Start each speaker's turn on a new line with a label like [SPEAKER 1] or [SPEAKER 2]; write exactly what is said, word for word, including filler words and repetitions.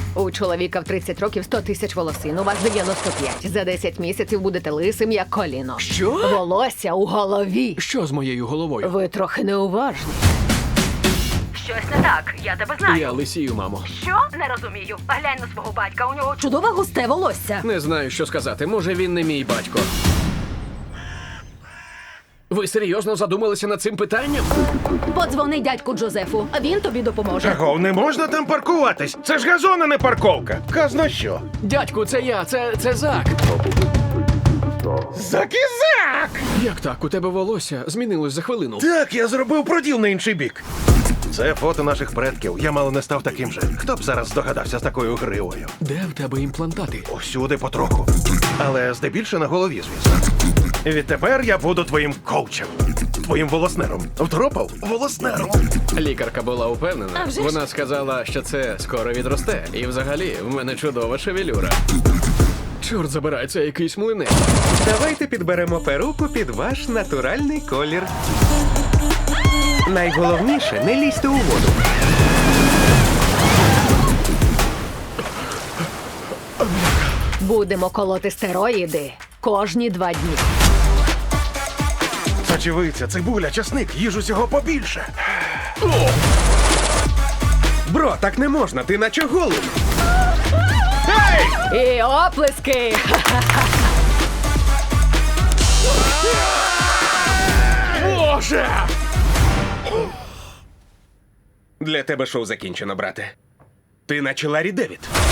[SPEAKER 1] У чоловіка в тридцять років сто тисяч волосин, у вас дев'яносто п'ять. За десять місяців будете лисим, як коліно.
[SPEAKER 2] Що?
[SPEAKER 1] Волосся у голові.
[SPEAKER 2] Що з моєю головою?
[SPEAKER 1] Ви трохи неуважні. Щось не так, я тебе знаю.
[SPEAKER 2] Я лисію, мамо.
[SPEAKER 1] Що? Не розумію. Глянь на свого батька, у нього чудове густе волосся.
[SPEAKER 2] Не знаю, що сказати. Може, він не мій батько. Ви серйозно задумалися над цим питанням?
[SPEAKER 1] Подзвони дядьку Джозефу, а він тобі допоможе.
[SPEAKER 3] Чого, не можна там паркуватись? Це ж газон, а не парковка. Казна що?
[SPEAKER 2] Дядьку, це я, це, це Зак.
[SPEAKER 3] Закізак!
[SPEAKER 2] Як так? У тебе волосся змінилось за хвилину.
[SPEAKER 3] Так, я зробив проділ на інший бік. Це фото наших предків. Я мало не став таким же. Хто б зараз здогадався з такою гривою?
[SPEAKER 2] Де в тебе імплантати?
[SPEAKER 3] Усюди потроху. Але здебільше на голові, звісно. Відтепер я буду твоїм коучем. Твоїм волоснером. Втропав? Волоснером.
[SPEAKER 2] Лікарка була упевнена.
[SPEAKER 1] А вже ж.
[SPEAKER 2] Вона сказала, що це скоро відросте. І взагалі, в мене чудова шевелюра. Чорт забирай, це якийсь млинець.
[SPEAKER 4] Давайте підберемо перуку під ваш натуральний колір. Найголовніше, не лізьте у воду.
[SPEAKER 1] Будемо колоти стероїди кожні два дні.
[SPEAKER 3] Сочевиця, цибуля, часник, їж усього побільше.
[SPEAKER 4] Бро, так не можна, ти наче голий.
[SPEAKER 1] І оплески!
[SPEAKER 3] Боже!
[SPEAKER 4] Для тебе шоу закінчено, брате. Ти наче Ларі Девід.